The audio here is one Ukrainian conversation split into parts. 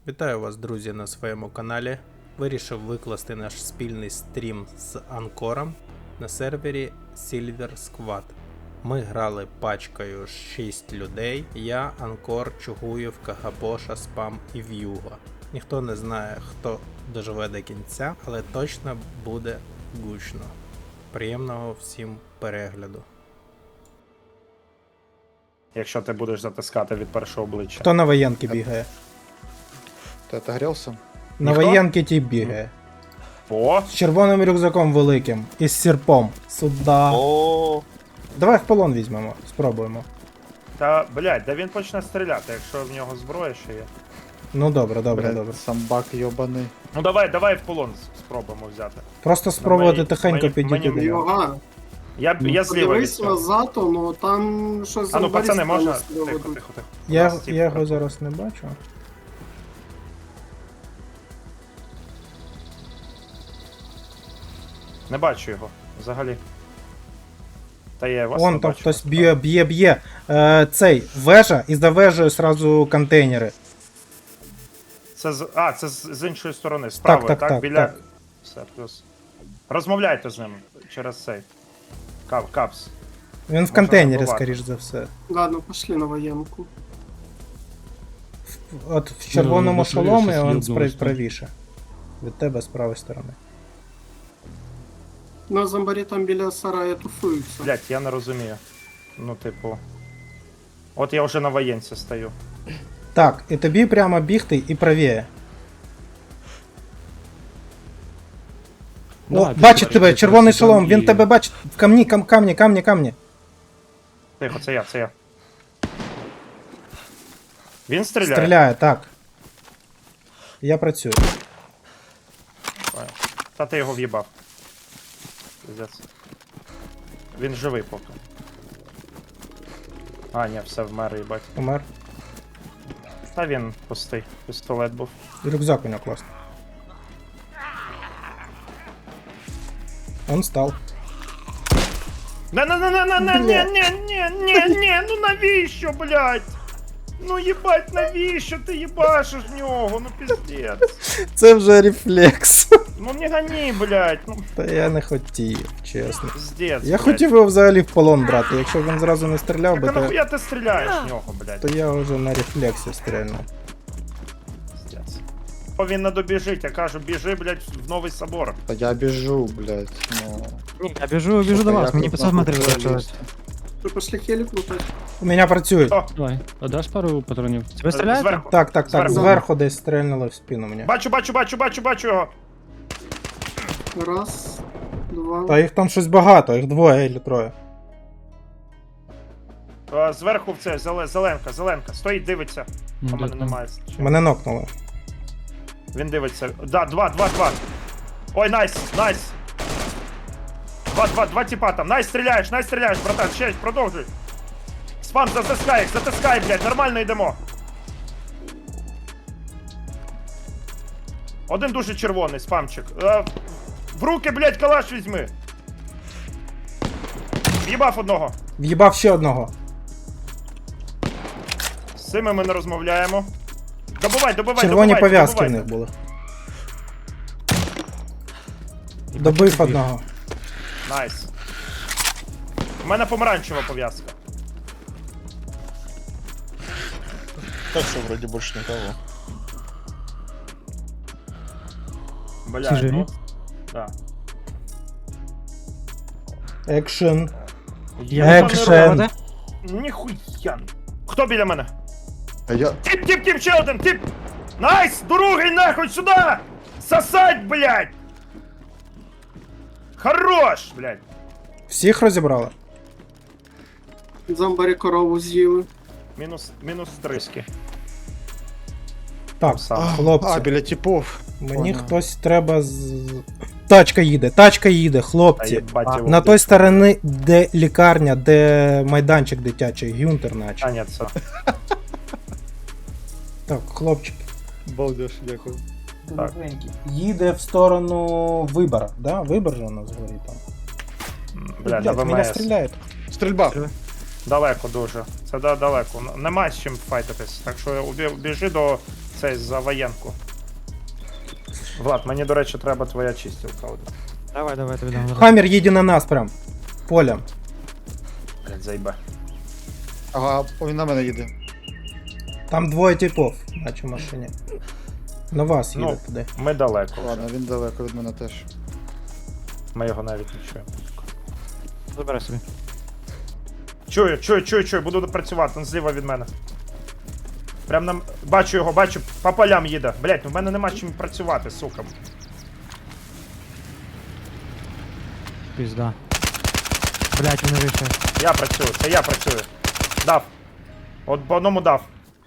Вітаю вас, друзі, на своєму каналі. Вирішив викласти наш спільний стрім з Анкором на сервері Silver Squad. Ми грали пачкою 6 людей. Я, Анкор, Чугуєв, Кагабоша, Спам і В'юга. Ніхто не знає, хто доживе до кінця, але точно буде гучно. Приємного всім перегляду. Якщо ти будеш затискати від першого обличчя. Хто на воєнки бігає? Ты отогрелся? На Ніхто? воєнки ті бігає. О! З червоним рюкзаком великим і з сірпом. Сюда. О, Давай в полон візьмемо, спробуємо. Та, блядь, да він почне стріляти, якщо в нього зброя ще є. Ну добре, добре, блядь, добре. самбак ёбаный. Ну давай в полон спробуємо взяти. Просто спробувати мені- тихенько мені- підійти мені до нього. Ага, Я зліва від подивись цього. назад, ну там щось А ну, пацани, можна? нас Тихо, ведуть. тихо, тихо. Я Нас тіп його прибув. зараз не бачу. Не бачу його, взагалі. Та я вас Вон не там бачу. хтось б'є. Цей, вежа, і за вежею сразу контейнери. Це з іншої сторони, з правої, так, так? так, Біля... так. Все, плюс. Розмовляйте з ним через цей. Капс. Він в Можна контейнері, забувати. скоріш за все. Ладно, пошли на воєнку. От в червоному Ну, шоломі щас він йобнулось там. правіше. Від тебе з правої сторони. На зомбарі там біля сарая туфуються. Блять, я не розумію. Ну, типу. От я вже на воєнці стою. Так, і тобі прямо бігти і правіє. О, Давай, бачить підбачиш, тебе, якраз червоний там шолом, він і- тебе бачить. В камні. Тихо, це я. Він стріляє? Стріляє, так. Я працюю. Ой. Та ти його в'їбав. Пиздець. Він живий поки. А, ні, все, вмер, їбать. Помер. Та він пустий. Пістолет був. І рюкзак у нього класний. Он стал. Не, ну навіщо, блядь? Ну їбать, навіщо ти їбашиш в нього? Ну піздець. Це вже рефлекс. Ну не гони, блядь. Ну Та я не хотів, чесно. піздець. Я блядь. хотів його взагалі в полон брати. Якщо він зразу не стріляв Так би, а то, нахуя ти стріляєш в нього, блядь? то я вже на рефлексі стрільнув. Піздець. Він не добіжить, я кажу, біжи, блядь, в новий собор. Да я бежу, блядь, ну... Ні, я біжу до вас, мені 500 метрів залишилось. Ви пошли хелік лутати? У мене працює. О, Давай, а даш пару патронів? Тебе стріляють? зверху. Так, Зверху. зверху десь стрельнули в спину мені. Бачу його. Раз, два. Та їх там щось багато, їх двоє або троє. Зверху в це, зеленка. Стоїть, дивиться. Ну, А мене так, немає. Мене нокнули. Він дивиться. Да, два. Ой, найс. Два типа там. Найс, стріляєш, братан. Ще, продовжуй. Спам, затискай, блядь, нормально йдемо. Один дуже червоний, спамчик. В руки, блядь, калаш візьми. В'їбав одного. В'їбав ще одного. З цими ми не розмовляємо. Добивай. Червоні пов'язки в добивайте. них були. Добив одного. Найс. У мене помаранчева пов'язка. Так что вроде больше никого. Бля, Всі живі? ну. Да. Екшен. Я Екшен. Ніхуя. Хто біля мене? А я... Тип, ще один, тип! Найс! Другий нахуй сюди! Сосать, блядь! Хорош, блядь! Всіх розібрали? Зомбарі корову з'їли. Мінус триски. Так, Сам. хлопці, біля типов. мені Понял. хтось треба з... Тачка їде, Та хлопці. їбать його. На той стороні, де лікарня, де майданчик дитячий, Гюнтер наче. А, ні, це. Так, хлопчики. Балдеж, дякую. Так. Їде в сторону Вибора, да? Вибор же у нас горить там. Бля, на Мене ВМС. стріляють. Стрельба. Далеко дуже. Це далеко. Нема з чим файтитись. Так що біжи до цей за воєнку. Влад, мені, до речі, треба твоя чистілка. От. Давай, тобі дам. Хаммер їде на нас прям. Полем. Блядь, заїбе. Ага, він на мене їде. Там двоє типов, бачу в машині. На вас їде Ну. туди. Ми далеко вже. Ладно, він далеко від мене теж. Ми його навіть не чуємо. Забирай собі. Чую, буду працювати, він зліва від мене. Прям нам. Бачу його, бачу, по полям їде. Блять, ну в мене нема чим працювати, сука. Пізда. Блять, вони вийшли. Я працюю, це я працюю. Дав. От по одному дав.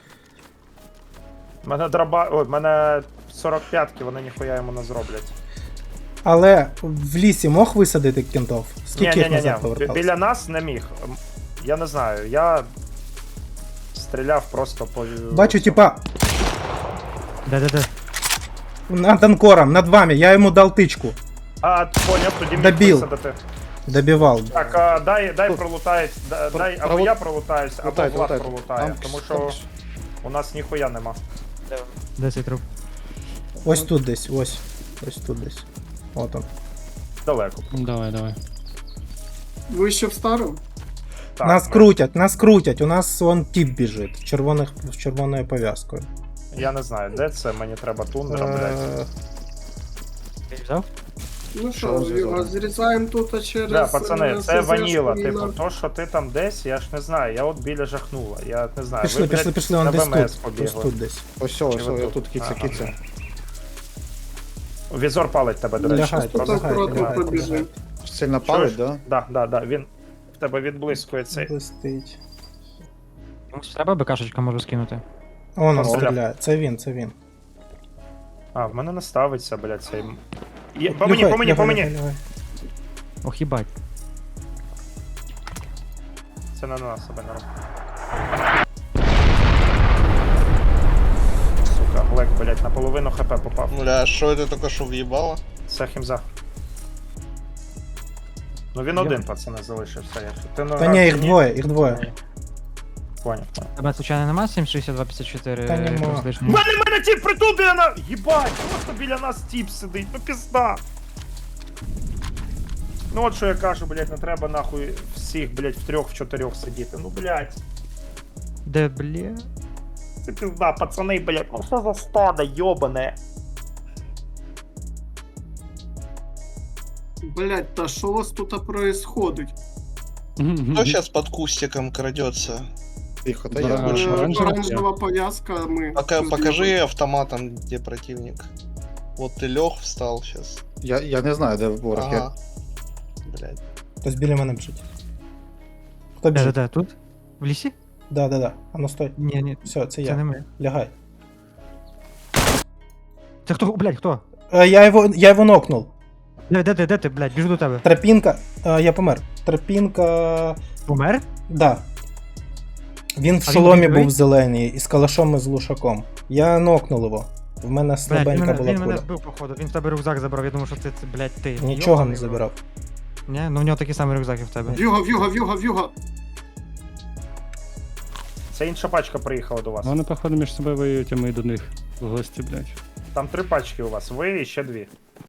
Мене дроба. Ой, мене 45-ки, вони ніхуя йому не зроблять. Але в лісі мог висадити кентов? Скільки їх назад Ні. поверталось? Біля нас не міг. Я не знаю, я стріляв просто по. Бачу, типа, Де. над анкором, над вами, я йому дал тичку. А, поняв, тоді міг Добив. висадити. Добивал. Так, дай пролутають, дай або я пролутаюсь, або Лутайте, Влад лутайте. пролутає, Там- тому що там- у нас ніхуя нема. Де цей труп? Ось тут десь, ось. Ось тут десь. От он. Далеко. Давай. Ви ще в старому? Так, Нас крутять, у нас вон тип біжить, з червоною пов'язкою. Я не знаю, де це, мені треба тундра, блядь. Ти взяв? Ну Що що, зв'язано? зрізаємо тут а через... Да, пацани, це СЗшку ваніла, і типу, на- то, що ти там десь, я ж не знаю, я от біля жахнула, я не знаю. Пішли, ви, пішли, блядь, он на десь ВМС тут. Ось побігли. тут десь. Ось, Чи ви я тут кіця. Ага. Візор палить тебе, до речі. Лягайте, Тут Просто- акуратно лягайте, побіжимо. лягайте. Сильно палить, да? Да, він в тебе відблискує цей. Блистить. Комусь треба БКшечка можу скинути. Он О. стріляє, це він. А, в мене не ставиться, блядь, цей. Є, по Лягай, мені. лягай. Ох, їбать. Це не на нас себе не робить. Сука, Глек, блядь, наполовину хп попав. Бля, что это только что въебало? Це хімза. Ну він один, пацани, залишився. Ти, ну, Та ні, їх двоє. Ні. Поняв. Тебе случайно нема 76254? Та нема. якогось лишнього? Мене тіп притул біля нас! Єбать, просто біля нас тіп сидить, ну пізда. Ну от що я кажу, блядь, не треба нахуй всіх, блядь, в 3-4 сидіти. Ну, блядь, Де, бля? це пізда, пацани, блядь, ну що за стадо, йобане. Блять, та що у вас тут происходить? Кто сейчас под кустиком крадется? Тихо, та я. Оранжева пов'язка, ми... Покажи автоматом, где противник. Вот ты лег, встал сейчас. Я не знаю, де ворог. Ага. Блядь. Хтось біля мене біжить. Хто біжить? Де? Тут? В лісі? Да. А ну стой. Ні, Все, це це я. не ми. Лягай. Це хто? Блядь, хто? Я його нокнув. Де ти, блядь, біжу до тебе. Тропінка. Я помер. Тропінка. Помер? Да. Він в А він шоломі живий? був зелений із калашом і з глушаком. Я нокнув його. В мене Блядь, слабенька була він мене куля. збив, походу. Він в тебе рюкзак забрав, я думав, що це, блядь, ти. Нічого не Йобаний в рот. забирав. Ні? Ну в нього такий самий рюкзак, як в тебе. В'юга! Це інша пачка приїхала до вас. Вони, походу, між собою воюють, а ми до них в гості, блядь. Там 3 пачки у вас, ви і ще 2.